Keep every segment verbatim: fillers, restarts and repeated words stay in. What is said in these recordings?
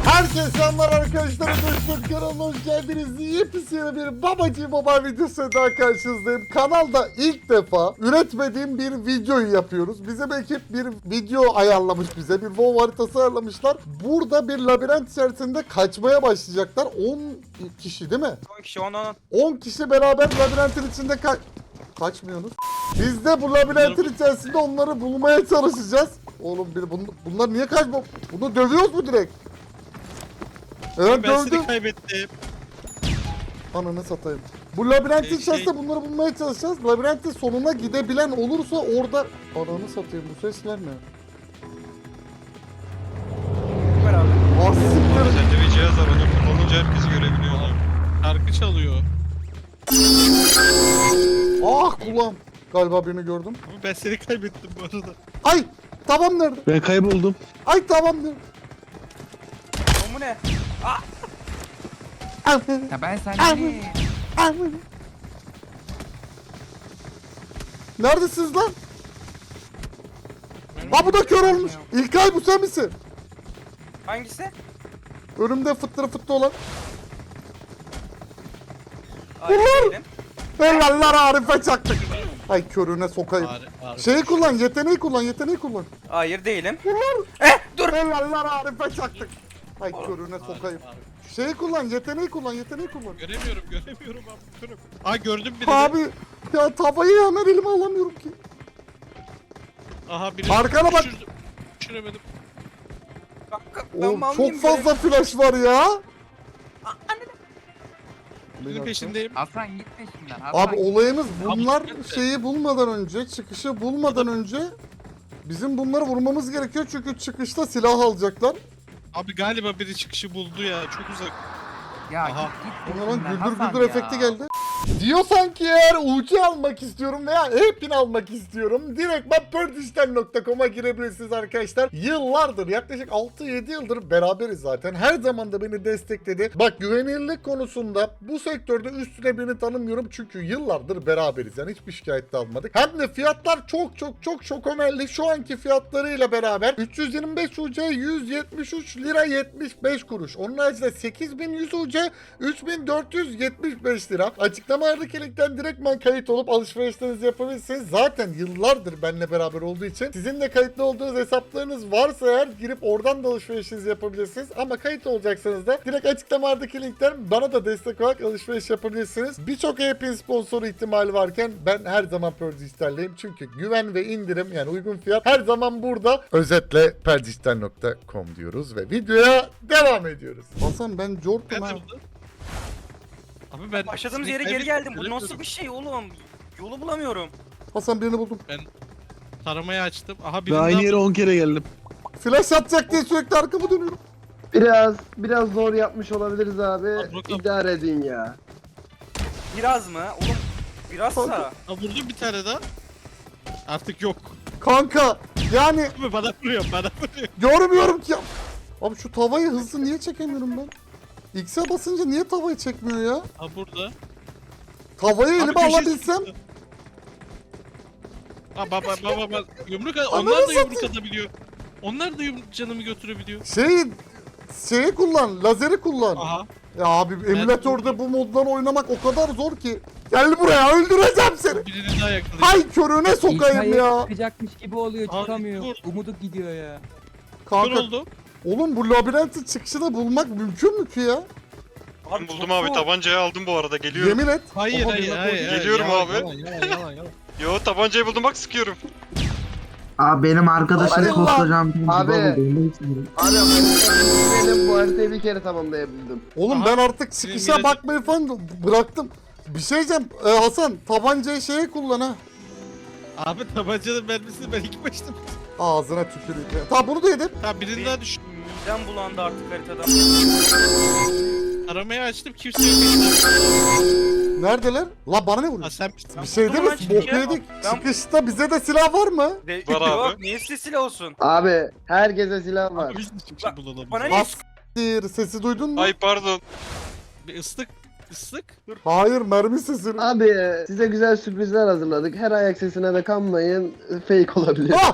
Herkese selamlar arkadaşlar. Dostlar kanalına hoş geldiniz. Yepyeni bir Babacı Baba videosu daha karşınızdayım. Kanalda ilk defa üretmediğim bir videoyu yapıyoruz. Bizim ekip bir video ayarlamış bize. Bir WoW haritası ayarlamışlar. Burada bir labirent içerisinde kaçmaya başlayacaklar. on kişi değil mi? on kişi on on. on kişi beraber labirentin içinde ka kaçmıyorsunuz. Biz de bu labirentin içerisinde onları bulmaya çalışacağız. Oğlum bir bun bunlar niye kaçma? Bunu dövüyoruz mu direkt? Evet Ben dövdüm. seni kaybettim. Ananı satayım. Bu labirentin Ee, içerisinde şey- bunları bulmaya çalışacağız. Labirentin sonuna gidebilen olursa orada... Ananı satayım, bu sesler ne? Beraber. Ah siktir. Sende bir cihaz var, onu kullanınca herkesi görebiliyorlar. Şarkı çalıyor. Ah kulağım. Galiba birini gördüm. Ama ben seni kaybettim bu arada. Ay! Tamam nerede? Ben kayboldum. Ay tamam nerede? O mu ne? Ya ben Ay. senden Ay. Neredesiniz lan? Ha bu da kör olmuş. İlkay bu sen misin? Hangisi? Önümde fıttırı fıttı olan. Hayır Ulan! değilim. Helaller Arif'e çaktık. Ay körüne sokayım. Bari, bari. Şeyi kullan, yeteneği kullan, yeteneği kullan. Hayır değilim. Ulan! Eh dur. Helaller Arif'e çaktık. Ay körüne Bari, sokayım. bari. Şeyi kullan, yeteneği kullan, yeteneği kullan. Göremiyorum, göremiyorum abi. Görüm. Aa gördüm birini. Abi ya tavayı hemen elime alamıyorum ki. Aha birini Arkana bak. düşürdüm. Düşüremedim. Kanka, ben Oğlum mal çok mıyım fazla flash var ya. Birinin peşindeyim. Hasan git peşimden. Hasan Abi git. olayımız bunlar Abi, şeyi bulmadan önce, çıkışı bulmadan önce bizim bunları vurmamız gerekiyor çünkü çıkışta silah alacaklar. Abi galiba biri çıkışı buldu ya. Çok uzak. Ya Aha. git git Ona lan peşimden güldür Hasan güldür ya. efekti geldi. Diyorsan ki eğer U C almak istiyorum veya e-pin almak istiyorum, direkt ben perdişten nokta com'a girebilirsiniz arkadaşlar. Yıllardır, yaklaşık altı yedi yıldır beraberiz zaten. Her zaman da beni destekledi. Bak güvenilirlik konusunda bu sektörde üstüne birini tanımıyorum çünkü yıllardır beraberiz. Yani hiçbir şikayet de almadık. Hem de fiyatlar çok çok çok çok önemli. Şu anki fiyatlarıyla beraber üç yüz yirmi beş U C yüz yetmiş üç lira yetmiş beş kuruş. Onun haricinde sekiz bin yüz U C üç bin dört yüz yetmiş beş lira. Açıklamalardaki linkten direktmen kayıt olup alışverişlerinizi yapabilirsiniz. Zaten yıllardır benimle beraber olduğu için sizin de kayıtlı olduğunuz hesaplarınız varsa eğer girip oradan da alışverişinizi yapabilirsiniz. Ama kayıt olacaksanız da direkt açıklamalardaki linkten bana da destek olarak alışveriş yapabilirsiniz. Birçok e-pin sponsoru ihtimali varken ben her zaman Perdijitalleyim. Çünkü güven ve indirim, yani uygun fiyat her zaman burada. Özetle perdijitall nokta com diyoruz ve videoya devam ediyoruz. Hasan ben Jort'um Ben ha. de burada. Abi ben Başladığımız seni yere geri kaybettim, geldim. Bu göremiyorum. nasıl bir şey oğlum? Yolu bulamıyorum. Hasan birini buldum. Taramayı açtım. Aha Ve birini aynı daha- yere on kere geldim. Flash atacak diye sürekli arkamı dönüyorum. Biraz biraz zor yapmış olabiliriz abi. Abi, bakalım. İdare edin ya. Biraz mı? Oğlum birazsa. Aa, vurdum bir tane daha. Artık yok. Kanka yani Abi bana vuruyor, bana vuruyor. görmüyorum ki. Abi şu tavayı hızlı niye çekemiyorum ben? X'e basınca niye tavayı çekmiyor ya? Ha burada. Tavayı Abi elime köşesi alabilsem. çıktı. Ha baba baba baba yumruk at- Ananı onlar da yumruk satayım. atabiliyor. Onlar da yumruk canımı götürebiliyor. Şey şeyi kullan, lazeri kullan. Aha. Ya abi emülatörde bu moddan oynamak o kadar zor ki. Gel buraya, öldüreceğim seni. Birini daha yakalayacağım. Hay körüne sokayım İlkay'ı ya. çıkacakmış gibi oluyor Abi, çıkamıyor. vur. Umudu gidiyor ya. Kör Kanka oldu. oğlum bu labirentin çıkışını bulmak mümkün mü ki ya? Ben buldum çok abi, zor. tabancayı aldım bu arada, geliyorum. Yemin et. Hayır Oha, hayır birine hayır. koydum. hayır. Geliyorum Yalan, abi. Yalan yalan yalan yalan. Yo, tabancayı buldum, bak sıkıyorum. Abi benim arkadaşları Allah! koskocaman bir Abi. baba değil, hiç değil. Abi haritayı benim bu haritayı bir kere tamamlayabildim. Oğlum Aha, ben artık senin çıkışa yine- bakmayı falan bıraktım. Bir şey diyeceğim e, Hasan, tabancayı şeye kullan ha. Abi tabancanın mermisini ben ilk başta. Ağzına tüküreyim. Tamam bunu da yedim. Tamam birini daha düş. Midem bulandı artık haritadan. Aramayı açtım kimse yok elimde. Neredeler? La bana ne Ha vuruyor? sen Bir şey değil mi? Buradan çıkıyor. Bok yedik. Ben- Çıkışta bize de silah var mı? De Var abi. Yok, niye size silah olsun? Abi herkese silah var. Abi biz de çıkışı bulalım. Bana ne? Bas sesi duydun mu? Ay pardon. Bir ıslık ıslık. Hayır, mermi sesini. Abi size güzel sürprizler hazırladık. Her ayak sesine de kanmayın. Fake olabilir. Ah!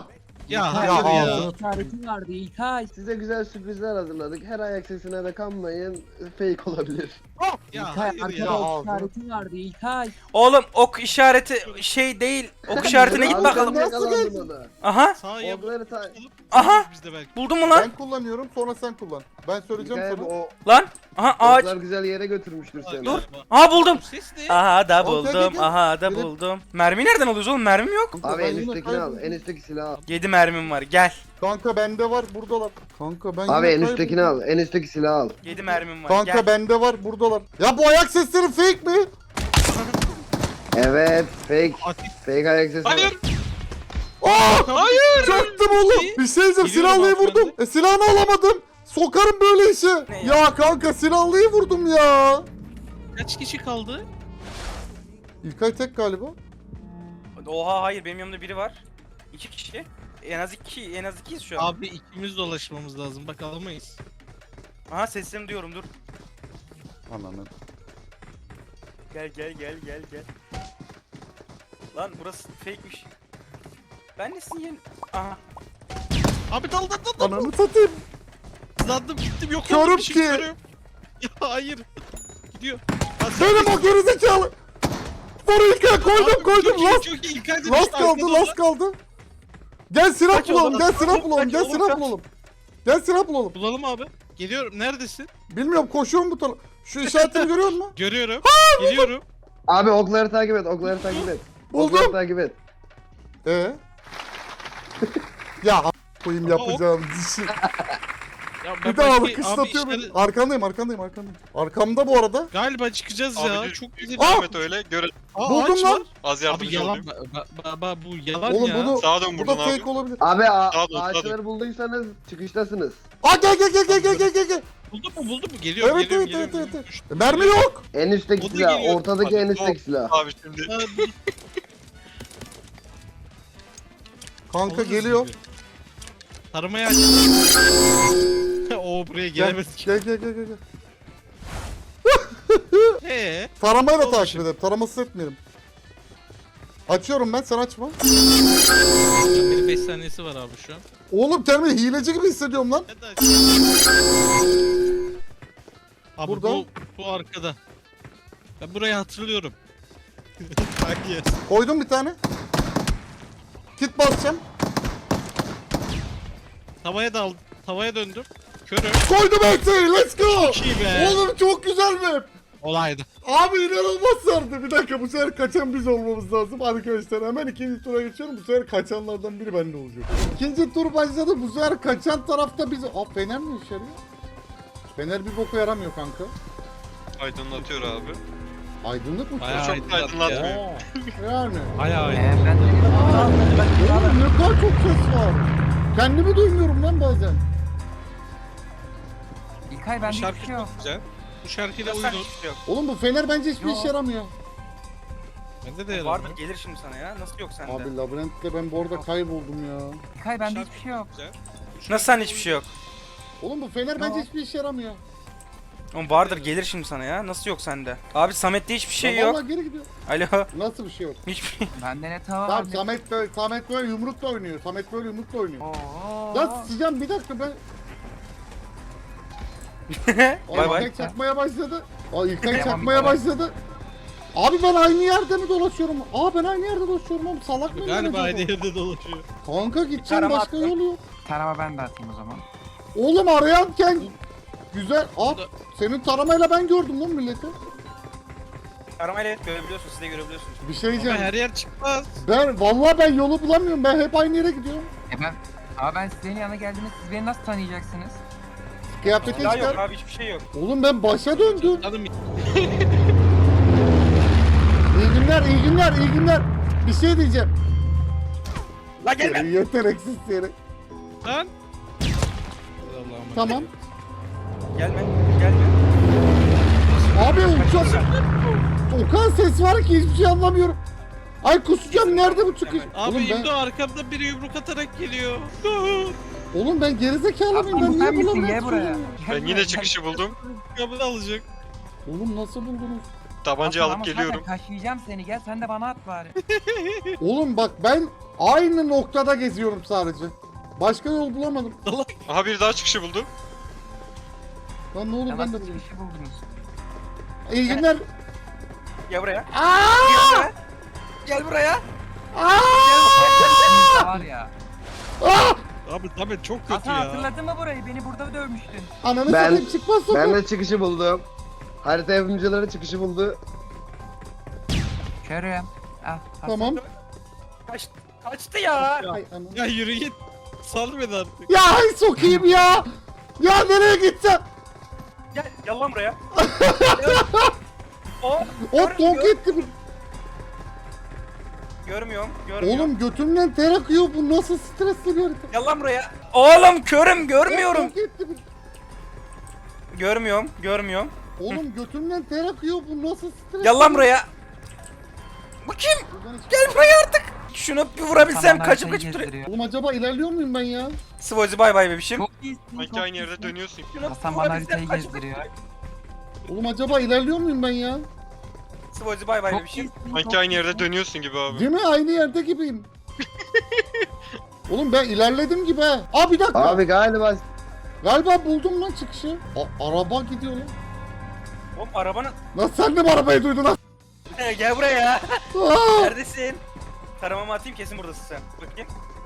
Ya Ya hayır ya. ağzını İşaretin vardı İlkay. Size güzel sürprizler hazırladık. Her ayak sesine de kanmayın. Fake olabilir. Ya İlkay hayır arkada ya. ok işaretin vardı İlkay. Oğlum ok işareti şey değil. Ok işaretine git Abi bakalım. sen de yakalandın ona. Aha. Sağa yap. Okları ta... Aha! Biz de belki. Buldun mu lan? Ben kullanıyorum sonra sen kullan. Ben söyleyeceğim Hikaye sana. bu, o Lan. Aha ağaç. oklar güzel yere götürmüştür seni. Dur. Aha buldum. Bu ses ne? Aha da Al, gel, buldum. gel, gel. Aha da Gelin. buldum. Mermi nereden alıyoruz oğlum? Mermim yok. Kanka, Abi ben en yine üsttekini al. kayboldum. En üstteki silahı al. yedi mermim var. Gel. Kanka bende var buradalar. Kanka ben Abi yine en üsttekini kayboldum. al. En üstteki silahı al. yedi mermim var. Kanka Gel. bende var buradalar. Ya bu ayak sesleri fake mi? Evet. Fake. Ateş. Fake ayak sesi. Hayır. Aa! Hayır. Çaktım oğlum. Bir şey diyeceğim Gidiyorum silahlıyı abi, vurdum. E silahını alamadım. Sokarım böyle işi. Ne Ya? ya? kanka silahlıyı vurdum ya. Kaç kişi kaldı? İlkay tek galiba. Oha hayır benim yanımda biri var. İki kişi. En az iki, en az ikiyiz şu an. Abi ikimiz dolaşmamız lazım. Bak alamayız. Aha seslerini duyuyorum dur. Ananı. Gel gel gel gel gel. Lan burası fake'miş. Ben de sizin Aha. Abi dal dal dal dal. Ananı satayım. Hızlandım gittim yok Körüm oldum bir şey ki. görüyorum. Ya hayır. Gidiyor. Ha, sen- Benim o gerizekalı. Vur İlkay koydum Abi, koydum. çok iyi, Last, çok iyi. İlkay da last düştü, kaldı arkada last kaldı. Gel silah Kaç bulalım oğlum, gel kaç silah oğlum, bulalım kaç gel oğlum, silah kaç. bulalım. Gel silah bulalım. Bulalım abi. Geliyorum. Neredesin? Bilmiyorum koşuyorum bu tarafa. Şu işaretini görüyor musun? Görüyorum. Geliyorum. Abi okları takip et. Okları takip et. Okları Buldum. takip et. Ee? ya a- koyayım Ama o- yapacağım dişi. Ya ben Bir daha belki- alkışlatıyor abi beni. işleri- Arkandayım arkandayım arkandayım. Arkamda bu arada. Galiba çıkacağız Abi ya. düz- Çok güzel. Aa! Ahmet öyle. Göre Aa, Buldum ağaç lan. var. az Abi yardımcı yalan. olayım. Ba, ba, ba, bu yalan Oğlum ya. bunu Sağdan bu da vurdun abi. fake olabilir. Abi a- Sağ ol, sağ ol. ağaçları bulduysanız çıkıştasınız. Aa gel gel gel gel gel gel gel gel. Buldun mu buldun mu? Geliyorum Evet geliyorum evet evet geliyorum. evet. Düştü. evet. Mermi yok. En üstteki O da silah. geliyor. Ortadaki en üstteki silah. Abi şimdi. Aa, bu- Kanka Alırız geliyor. gibi. Taramayı aç. Oo buraya Gel gelemedik. gel gel gel. gel. Ee, Taramayla Oldu takip şimdi. ederim. Taramasız etmeyelim. Açıyorum ben sen açma. benim beş saniyesi var abi şu an. Oğlum kendimi hileci gibi hissediyorum lan. Hadi aç. Abi Burada. bu, bu arkada. Ben burayı hatırlıyorum. Hayır. Koydum bir tane. Kit basacağım. Tavaya dal, tavaya döndüm. Körüm. Koydum hepsini. Let's go. Çok iyi be. Oğlum çok güzel map. Olaydı. Abi inanılmaz sardı. Bir dakika bu sefer kaçan biz olmamız lazım arkadaşlar. Hemen ikinci tura geçiyorum. Bu sefer kaçanlardan biri bende olacak. İkinci tur başladı. Bu sefer kaçan tarafta biz... Aa Fener mi işe yarıyor? Fener bir boku yaramıyor kanka. Aydınlatıyor abi. Aydınlık mı? Bayağı Çok aydınlat da aydınlatmıyor. ya. Yani. Bayağı Ee, aydınlat. ben de Oğlum ne kadar çok ses var. Kendimi duymuyorum lan bazen. İlkay Bu bende hiçbir şarkı şey yok. çok güzel. Bu şarkıyla Sen uyudun. hiçbir şey yok. Oğlum bu Fener bence hiçbir Yo. işe yaramıyor. Bende de Vardır yalan. gelir şimdi sana ya. Nasıl yok sende? Abi labirentte ben bu arada kayboldum ya. İlkay bende hiçbir şey yok. Güzel. Nasıl sende hiçbir şey yok? Oğlum bu Fener bence Yo. hiçbir işe yaramıyor. Oğlum vardır gelir şimdi sana ya. Nasıl yok sende? Abi Samet'te hiçbir şey Lan yok. vallahi geri gidiyor. Alo. Nasıl bir şey yok? Hiçbir şey. Bende ne tava var Tamam ne... Samet böyle, Samet böyle yumrukla oynuyor. Samet böyle yumrukla oynuyor. Oo. Lan sıcağım bir dakika ben. O Bay bay. İlkay çakmaya başladı. O İlkay Devam, çakmaya devam. başladı. Abi ben aynı yerde mi dolaşıyorum? Aa ben aynı yerde dolaşıyorum oğlum salak mıyım ben Galiba acaba? aynı yerde dolaşıyor. Kanka gideceğim Tarama başka attım. yol yok. Tarama ben de atayım o zaman. Oğlum arayanken güzel. Aa Burada- senin taramayla ben gördüm lan milleti. Aramayla evet görebiliyorsunuz. Siz de görebiliyorsunuz. Bir şey Ama diyeceğim. her yer çıkmaz. Ben vallahi ben yolu bulamıyorum. Ben hep aynı yere gidiyorum. E ben... Ama ben sizin yanına geldiğimde siz beni nasıl tanıyacaksınız? Kıyafeti Ya yok çıkar. abi hiçbir şey yok. Oğlum ben başa döndüm. Canım İyi günler, iyi günler, iyi günler. Bir şey diyeceğim. La gelme. Seni yeteneksiz seni. lan. Allah'ım. Tamam. Gelme. Gelme. Abi çok... O kadar ses var ki hiçbir şey anlamıyorum. Ay kusacağım nerede bu çıkış? Abi Oğlum ben, İmdo arkamda biri yumruk atarak geliyor. oğlum ben gerizekalı mıyım? Ben Aslan niye sen misin? bulamıyorum? Gel buraya. Ben yine çıkışı buldum. Kabını alacak. Oğlum nasıl buldunuz? Tabancayı Hasan, alıp ama geliyorum. zaten taşıyacağım seni, gel sen de bana at bari. Oğlum bak ben aynı noktada geziyorum sadece. Başka yol bulamadım. Aha bir daha çıkışı buldu. Lan ne olur Ya ben de nasıl bulayım. çıkışı buldunuz? İyi günler. Gel buraya. Aa! Gel buraya. Aa! Sizin de var ya. Aa! Abi Samet çok kötü Hasan ya. hatırladın mı burayı? Beni burada dövmüştün. Ananı Ben- satayım çıkmaz sokak. Ben de çıkışı buldum. Harita yapımcıları çıkışı buldu. Körüm. Ah, Hasan. Tamam. Kaç, kaçtı ya. Ay anam. Ya yürü git. Sal beni artık. Ya ay sokayım ya. Ya nereye gideceğim? Gel, gel lan buraya. o, O gör- donk gör- etti. bu. Görmüyorum, görmüyorum. Oğlum götümden ter akıyor. Bu nasıl stresli bir harita? Gel lan buraya. Oğlum körüm, görmüyorum. Donk etti bu. Görmüyorum, görmüyorum. Oğlum götümden ter akıyor. Bu nasıl stresli? Gel lan buraya. Bu kim? Buradan hiç- Gel buraya artık. Şunu bir vurabilsem Hasan kaçıp haritayı kaçıp duruyor. gezdiriyor. Oğlum acaba ilerliyor muyum ben ya? Svozi bay bay bebişim. Çok iyisin. Sanki çok aynı yerde iyisin. dönüyorsun. Şunu Hasan bir bana vurabilsem haritayı kaçıp gezdiriyor. kaçıp Oğlum acaba ilerliyor muyum ben ya? Svozi bay bay Çok bebişim. iyisin. Sanki çok aynı yerde iyisin. dönüyorsun gibi abi. Değil mi? Aynı yerde gibiyim. Oğlum ben ilerledim gibi ha. Aa bir dakika. Abi galiba Galiba buldum lan çıkışı. A- araba gidiyor lan. Oğlum arabanın... Lan sen de mi arabayı duydun lan? Gel buraya. Aa! Neredesin? Taramamı atayım, kesin buradasın sen. Bakayım.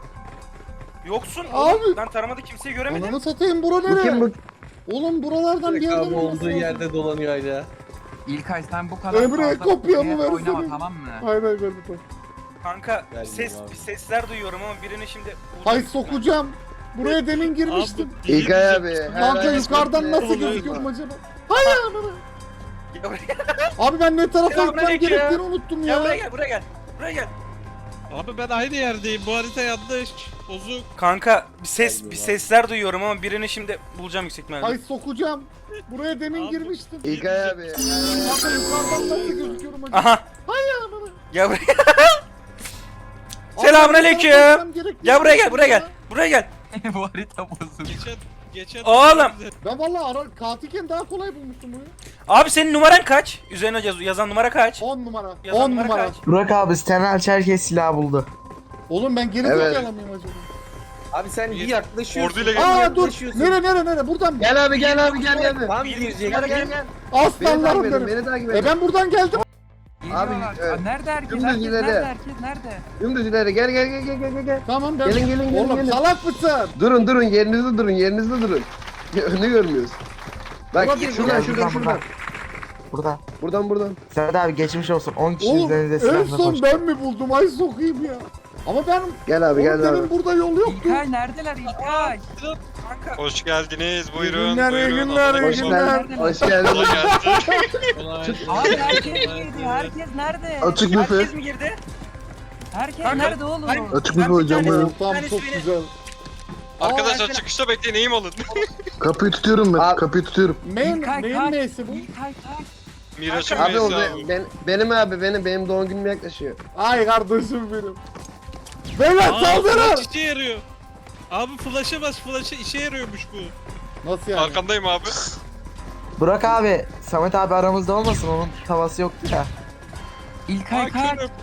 Yoksun. Abi. Oğlum, ben taramada kimseyi göremedim. Ananı satayım bura bu kim nereye? bu? Oğlum buralardan bir yerden Abi olması olduğu lazım. yerde dolanıyor hala. İlkay sen bu kadar Emre, fazla kopyamı buraya versene. oynama, tamam mı? Hayır hayır ben de- Kanka Geldim ses abi. sesler duyuyorum ama birini şimdi... Hay sokacağım. Buraya demin girmiştim. Abi, İlkay abi. her Kanka ay yukarıdan bir- nasıl Oluyor. gözüküyorum acaba? Hay ananı. Gel buraya, Abi ben ne tarafa gitmem Selamünaleyküm. gerektiğini unuttum gel buraya ya. gel, buraya gel. Buraya gel. Abi ben aynı yerdeyim. Bu harita yanlış. Bozuk. Kanka bir ses Geldim bir abi. sesler duyuyorum ama birini şimdi bulacağım yüksek ihtimalle. Hay sokacağım. Buraya demin Abi. girmiştim. İlkay abi. Kanka yukarıdan nasıl gözüküyorum acaba? Aha. Hay ananı. Gel buraya. Abi Selamünaleyküm. ben ne tarafa gitmem gerektiğini Gel buraya gel, buraya gel. ya. Buraya gel. Bu harita bozuk. Geçen geçen Oğlum. Ben valla ara katilken daha kolay bulmuştum bunu. Abi senin numaran kaç? Üzerine yaz- yazan numara kaç? on numara. Yazan on numara numara. kaç? Burak abi Stenal Çerkez silah buldu. Oğlum ben geri Evet. zekalı mıyım acaba? Abi sen bir yaklaşıyorsun. Orduyla bir gel. Aa dur. yaklaşıyorsun. Nere nere nere? Buradan mı? Gel abi gel abi gel gel. Tam Bir- girecek. Gel gel gel. Beni Aslanlarım takip edin, benim. beni takip E edin. ben buradan geldim. Geliyorlar. evet. Aa, nerede herkes? Dümdüz Herkes ileri. nerede? Herkes nerede? Dümdüz ileri gel gel gel gel gel gel. Tamam ben. Gelin gelin gelin Oğlum gelin. salak mısın? Durun durun yerinizde durun yerinizde durun. Ya, önünü görmüyoruz. Bak Olabilir, şuradan olabilir. şuradan şuradan. Burada. Buradan buradan. Serhat abi geçmiş olsun. on kişi Oğlum üzerinize en silahla son koştu. ben mi buldum? Ay sokayım ya. Ama ben Gel abi oğlum gel benim abi. burada yol yoktu. İlkay neredeler İlkay? Kanka Hoş geldiniz. Buyurun. günler, iyi buyurun. günler, iyi Hoş günler. geldin. Hoş geldin. Kolay gelsin. Abi herkes girdi. Herkes nerede? Açık büfe. herkes mi girdi? Herkes Kanka, nerede oğlum? hayır. Açık Ben büfe bir hocam tanesi- buyurun. Tamam tanesi çok beni- güzel. Arkadaşlar Aa, çıkışta bekleyin eğim alın. Kapıyı tutuyorum ben. Abi- Kapıyı tutuyorum. Main, İlkay main kaç. neyse bu? İlkay kaç. Miraç'ın Abi o meyesi be- abi. ben, benim abi benim benim doğum günüm yaklaşıyor. Ay kardeşim benim. Beyler Aa, saldırın. flash işe yarıyor. Abi flash'a bas, flash'a işe yarıyormuş bu. Nasıl yani? Arkandayım abi. Burak abi, Samet abi aramızda olmasın, onun tavası yoktu ya. İlkay Aa, kaç. körüm.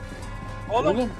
Oğlum, Oğlum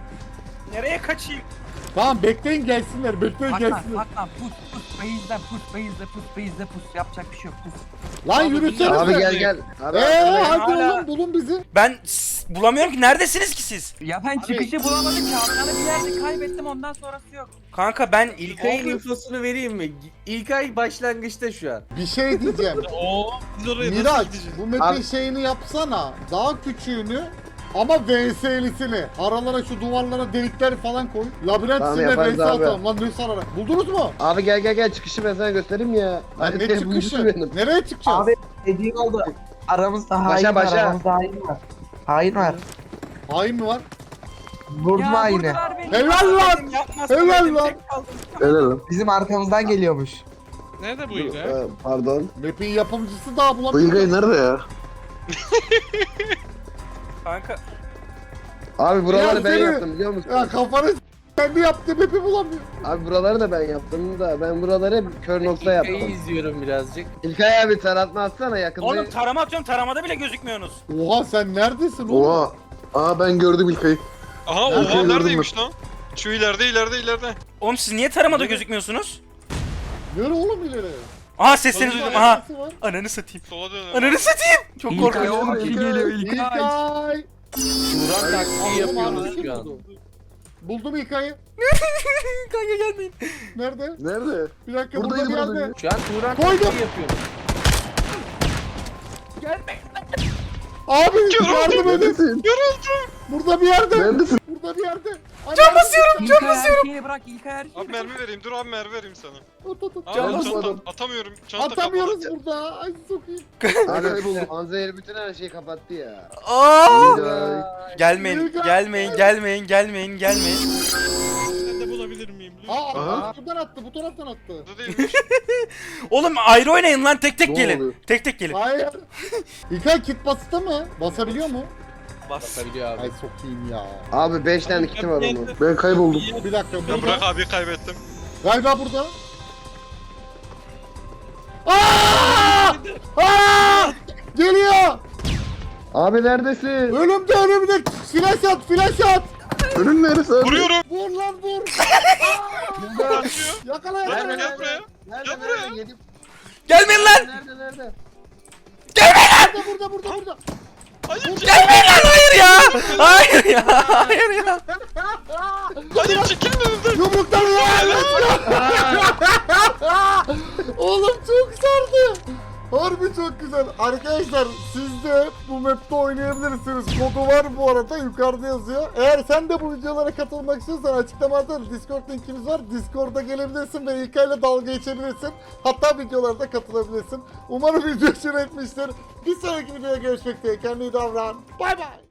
nereye kaçayım? tamam bekleyin gelsinler bekleyin Saklan gelsinler. saklan pus pus base'de pus base'de pus base'de pus yapacak bir şey yok pus. Lan Abi, yürüsenize. Abi Abi, gel gel. Abi Eee arkandayım. hadi Hala- oğlum bulun bizi. Ben s- bulamıyorum ki. Neredesiniz ki siz? Ya ben çıkışı bulamadım ki Hakan'ı bir yerde kaybettim ondan sonrası yok. Kanka ben İlkay'ın infosunu vereyim mi? İlkay başlangıçta şu an. Bir şey diyeceğim. Oo, biz oraya Miraç nasıl gideceğiz? bu map'in Abi- şeyini yapsana. Daha küçüğünü ama V S'lisini. Aralara şu duvarlara delikler falan koy. Labirent Tamam, içinde yaparız V S abi. atalım. Lan ne sararak. Buldunuz mu? Abi gel gel gel çıkışı ben sana göstereyim ya. Lan Hadi ne gel, çıkışı? bulmuşum benim. Nereye çıkacağız? Abi dediğin oldu. Aramızda hain Başa, var, başa. aramızda hain var. Hain var. Hain mi var? Vurdum Ya haini. vurdular beni. Helal lan! Dedim, yapmasam Helal dedim, lan! tek kaldım. Helal lan. Bizim arkamızdan geliyormuş. Nerede bu Dur, İlkay? e, Pardon. Map'in yapımcısı daha Bu bulamıyor. İlkay nerede ya? Kanka Abi buraları Ya ben seni- yaptım biliyor musun? Ya kafanı s- Kendi yaptığım hepi bulamıyorum. Abi buraları da ben yaptım da ben buraları hep kör nokta İlkay'ı yaptım. izliyorum birazcık. İlkay abi taratma atsana yakında. Oğlum tarama atıyorum, taramada bile gözükmüyorsunuz. Oha sen neredesin oğlum? Oha. Aa ben gördüm İlkay'ı. Aha Nerede oha gördün neredeymiş lan? Şu ileride ileride ileride. Oğlum siz niye taramada gözükmüyorsunuz? Yürü oğlum ileri. Aha sesini Oğlum, duydum. Aha. Neresi var? Ananı satayım. Sola dön. Ananı satayım. Çok İlkay korkunç. oğlum biri geliyor İlkay. İlkay. Turan taktiği Oğlum, yapıyoruz arkadaşım şu an. buldu. Buldum İlkay'ı. Kanka gelmeyin. Nerede? Nerede? Bir dakika Buradaydı, burada bir yerde. buradaydı. Şu an Turan Koydum. taktiği yapıyoruz. Abi yardım edin. Neredesin? Burada bir yerde. Neredesin? Burada bir yerde. Can basıyorum. İlkay erkeğe bırak İlkay erkeğe. Abi mermi vereyim dur abi mermi vereyim sana. At, at, at. Abi Can çanta basmadım. atamıyorum. Çanta Atamıyoruz kapalı. burada. Ay sokayım. Abi Kayboldum. Anzehir bütün her şeyi kapattı ya. Aa! İlkay. Gelmeyin, İlkay. gelmeyin, gelmeyin, gelmeyin, gelmeyin. Ben de bulabilir miyim? Lütfen. Aa, Aha. buradan attı, bu taraftan attı. Burada değilmiş. Oğlum ayrı oynayın lan, tek tek Ne gelin. oluyor? Tek tek gelin. Hayır. İlkay kit bastı mı? Basabiliyor mu? Bas. Basabiliyor abi. Ay sokayım ya. Abi beş tane kiti var onun. Ben kayboldum. Bir dakika Ya bırak burada. abi kaybettim. Galiba burada. Aa! Aa! Geliyor. Abi neredesin? Önümde önümde. Flash at, flash at. Önün neresi abi? Vuruyorum. Vur lan vur. Kaçıyor. Yakala Gel yakala. gel buraya. Nerede Gel buraya. nerede? Yedim. Gelmeyin lan. Nerede nerede? Burada burada burada burada. Hayır Gelmeyin lan, hayır ya. Hayır ya, hayır ya. hayır çekilin önümden. Yumruklar ya. Oğlum çok sardı. Harbi çok güzel. Arkadaşlar siz de bu map'te oynayabilirsiniz. Kodu var bu arada yukarıda yazıyor. Eğer sen de bu videolara katılmak istiyorsan açıklamada Discord linkimiz var. Discord'a gelebilirsin ve İlkay'la dalga geçebilirsin. Hatta videolarda katılabilirsin. Umarım video hoşuna gitmiştir. Bir sonraki videoda görüşmek üzere. Kendine iyi davran. Bay bay.